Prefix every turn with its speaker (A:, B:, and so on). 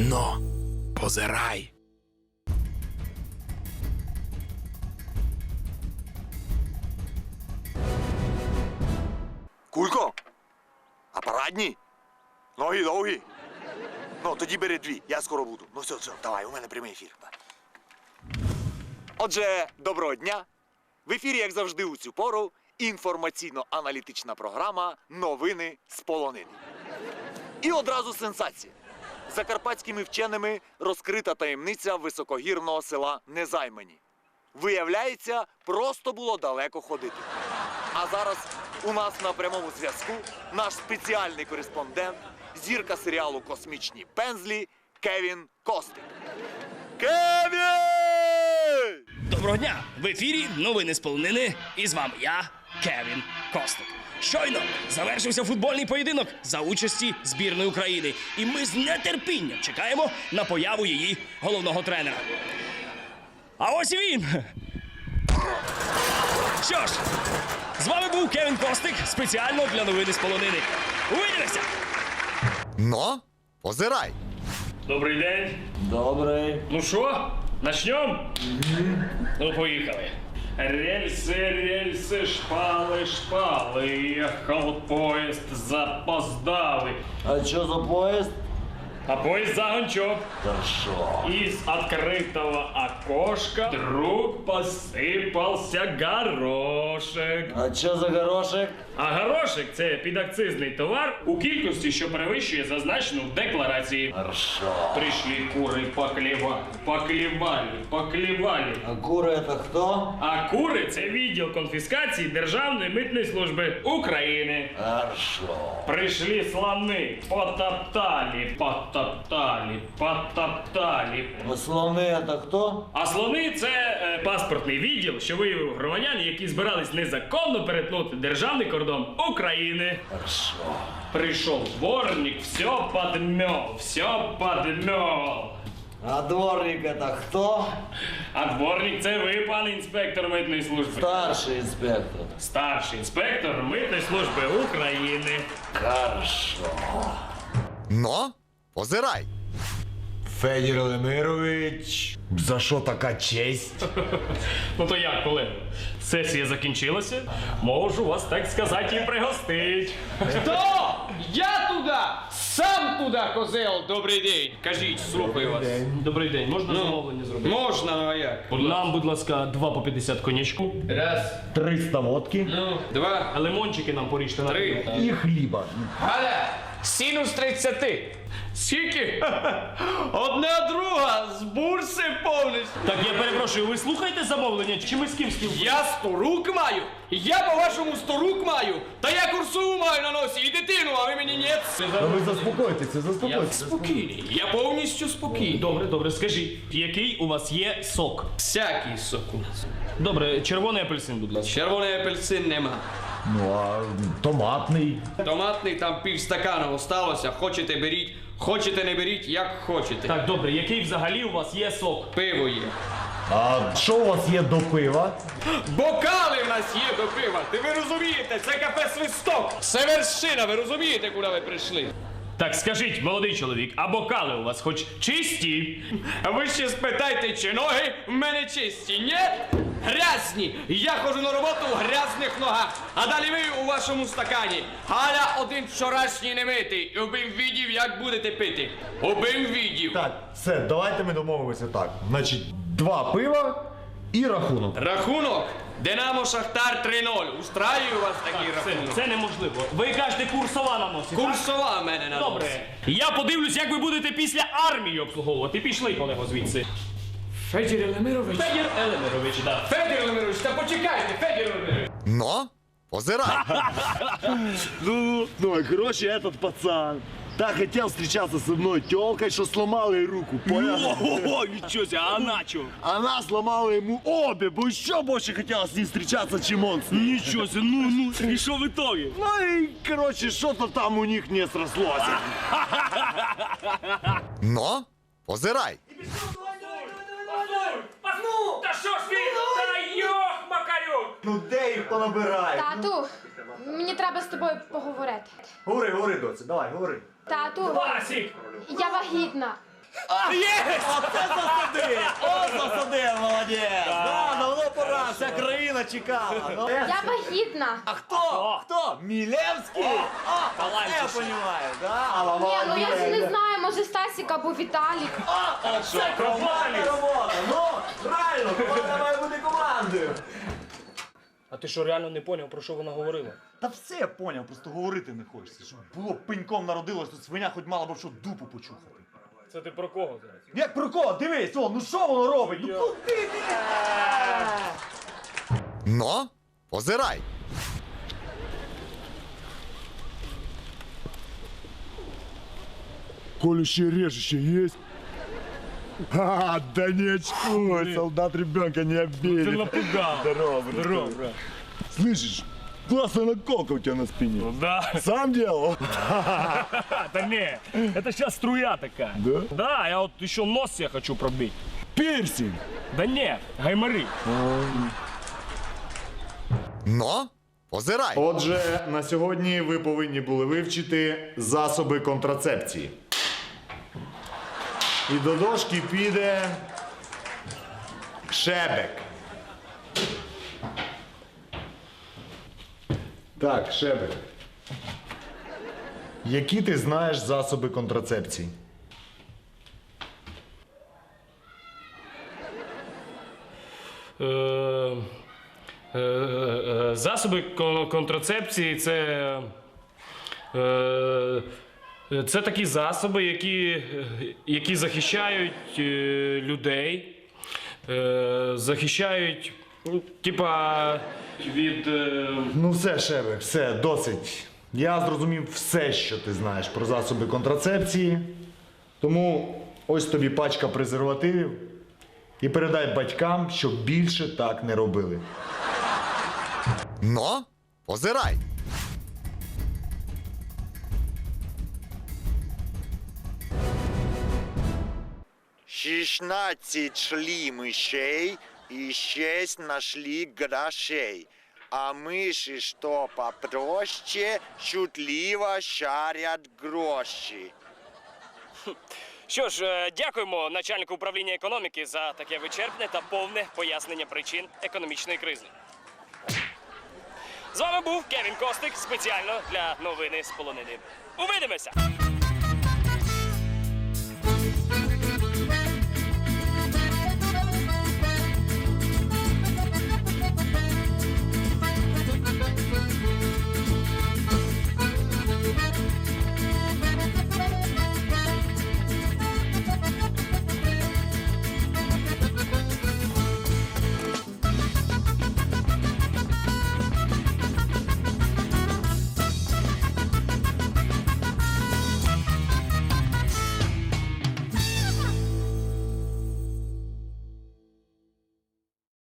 A: Но, позирай.
B: Кулько, а парадні? Ноги довгі. Ну, тоді бери дві, я скоро буду. Ну все, давай, у мене прямий ефір. Отже, доброго дня. В ефірі, як завжди, у цю пору інформаційно-аналітична програма «Новини з полонини». І одразу сенсація. Закарпатськими вченими розкрита таємниця високогірного села Незаймані. Виявляється, просто було далеко ходити. А зараз у нас на прямому зв'язку наш спеціальний кореспондент, зірка серіалу «Космічні пензлі» Кевін Костик. Кевін!
C: Доброго дня! В ефірі новини з полонини, і з вами я, Кевін Костик. Щойно завершився футбольний поєдинок за участі збірної України, і ми з нетерпінням чекаємо на появу її головного тренера. А ось і він! Що ж, з вами був Кевін Костик спеціально для новини з полонини. Увидимося!
B: Но, позирай.
C: Добрий день.
D: Добрий.
C: Ну що, начнем? Ну, поїхали. Рельси, шпали, ехал поезд, запоздали.
D: А що за поїзд?
C: А поезд загончок.
D: Та що?
C: Из открытого окошка вдруг посипався горошек.
D: А що за горошек?
C: А горошек – це підакцизний товар у кількості, що перевищує зазначену в декларації.
D: Хорошо.
C: Пришли куры поклевали.
D: А кури це хто?
C: А кури – це відділ конфіскації Державної митної служби України.
D: Хорошо.
C: Прийшли слони, потоптали.
D: А слони це хто?
C: А слони – це паспортний відділ, що виявив громадян, які збирались незаконно перетнути державний кордон України.
D: Хорошо.
C: Прийшов дворник, все подмел.
D: А дворник це хто?
C: А дворник – це ви, пане інспектор митної служби.
D: Старший інспектор.
C: Старший інспектор митної служби України.
D: Хорошо.
B: Но, позирай.
E: Федір Лемирович, за що така честь?
C: Ну то як, колеги? Сесія закінчилася. Можу вас, так сказати, і пригостить.
F: Хто? Я туди! Сам туди, козел! Добрий день! Кажіть, слухаю вас.
C: Добрий день, можна замовлення зробити?
F: Можна, ну а як?
C: Нам, будь ласка, 2 по 50 конячку.
F: Раз,
E: 300 водки
F: ну, два,
C: А лимончики нам поріжте на
F: три.
E: і хліба.
F: Галя! Синус 30. Скільки? Одна друга з бурси повністю.
C: Так, я перепрошую, ви слухаєте замовлення? Чи ми з ким спілкуємося?
F: Я 100 рук маю? Я по-вашому 100 рук маю? Та я курсову маю на носі і дитину, а ви мені ні?
E: Та ви заспокойтеся, заспокойтеся.
F: Спокійний, я повністю спокійний.
C: Добре, скажіть, який у вас є сок?
F: Всякий сок у нас.
C: Добре, червоний апельсин, будь ласка.
F: Червоний апельсин нема.
E: Ну а томатний.
F: Томатний там півстакана осталося. Хочете беріть, хочете не беріть, як хочете.
C: Так, добре, який взагалі у вас є сок?
F: Пиво є.
E: А що у вас є до пива?
F: Бокали в нас є до пива. Ти ви розумієте, це кафе Свисток. Це вершина, ви розумієте, куди ви прийшли?
C: Так, скажіть, молодий чоловік, а бокали у вас хоч чисті?
F: А ви ще спитайте, чи ноги в мене чисті? Ні? Грязні. Я ходжу на роботу в грязних ногах. А далі ви у вашому стакані. Галя один вчорашній не митий. Убим відів, як будете пити. Убим відів.
E: Так, все, давайте ми домовимося так. Значить, 2 пива і рахунок.
F: Рахунок. Динамо Шахтар 3-0. Устраює у вас такий рахунок?
C: Це неможливо. Ви кажете, курсова на носі, так?
F: Курсова в мене на носі.
C: Добре. Я подивлюсь, як ви будете після армії обслуговувати. Пішли, колего, звідси.
F: Федір Елемирович.
C: Федір Елемирович, да.
F: Федір Елемирович, та почекайте, Федір Елемирович.
B: Но, позирай.
E: Ну, короче, этот пацан так хотел встречаться со мной тёлкой, что сломал ей руку, понял?
C: Ого, нічого себе, а начо?
E: Она сломала ему обе, бо еще больше хотела с ним встречаться, чем он с ней.
C: Нічого себе, ну, і що в итоге?
E: Ну и, короче, что-то там у них не срослось.
B: Но, позирай.
C: Ну, та що ж ти? Та йох, макарюк!
E: Ну де їх понабирає?
G: Тату, мені треба з тобою поговорити.
E: Говори, доці, давай, говори.
G: Тату,
C: Васік!
G: я вагітна.
E: Оце засадив! О, засадив, молодець! Да, давно пора, вся країна чекала. Ну.
G: Я вагітна.
E: А хто? Мілевський? Я понимаю, да?
G: Ні, ну я ж не знаю, може Стасік або Віталік.
E: Це командна робота! Ну, правильно, команда має бути командою.
C: А ти що, реально не поняв, про що вона говорила?
E: Та все я поняв, просто говорити не хочеться. Щоб було б пеньком народилось, то свиня хоч мала б що дупу почухати.
C: Це ти про кого зараз?
E: Як про кого? Дивись, о, ну що воно робить? Ну куди ти?
A: Но позирай.
E: Колющее, режущее есть? Да не очкуй, солдат ребенка не обидит.
H: Ты напугал.
E: Здорово, здорово. Слышишь, классная наколка у тебя на спине.
H: Да.
E: Сам делал?
H: Да не, это сейчас струя такая.
E: Да?
H: Да, я вот еще нос себе хочу пробить.
E: Пирсинг.
H: Да нет, гаймори.
A: Но позирай.
E: Отже, на сьогодні ви повинні були вивчити засоби контрацепції. І до дошки піде шебек. Так, шебек. Які ти знаєш засоби контрацепції?
H: Засоби контрацепції це такі засоби, які захищають людей, захищають, ну, типа, від.
E: Ну все, Шебек, все, досить. Я зрозумів все, що ти знаєш про засоби контрацепції. Тому ось тобі пачка презервативів. І передай батькам, щоб більше так не робили.
A: Но позирай.
I: Шістнадцять шли мышей и 6 нашли грошей. А мыши, что попроще, шутливо шарят гроші.
C: Що ж, дякуємо начальнику управління економіки за таке вичерпне та повне пояснення причин економічної кризи. З вами був Кевін Костик спеціально для новини з полонини. Увидимося!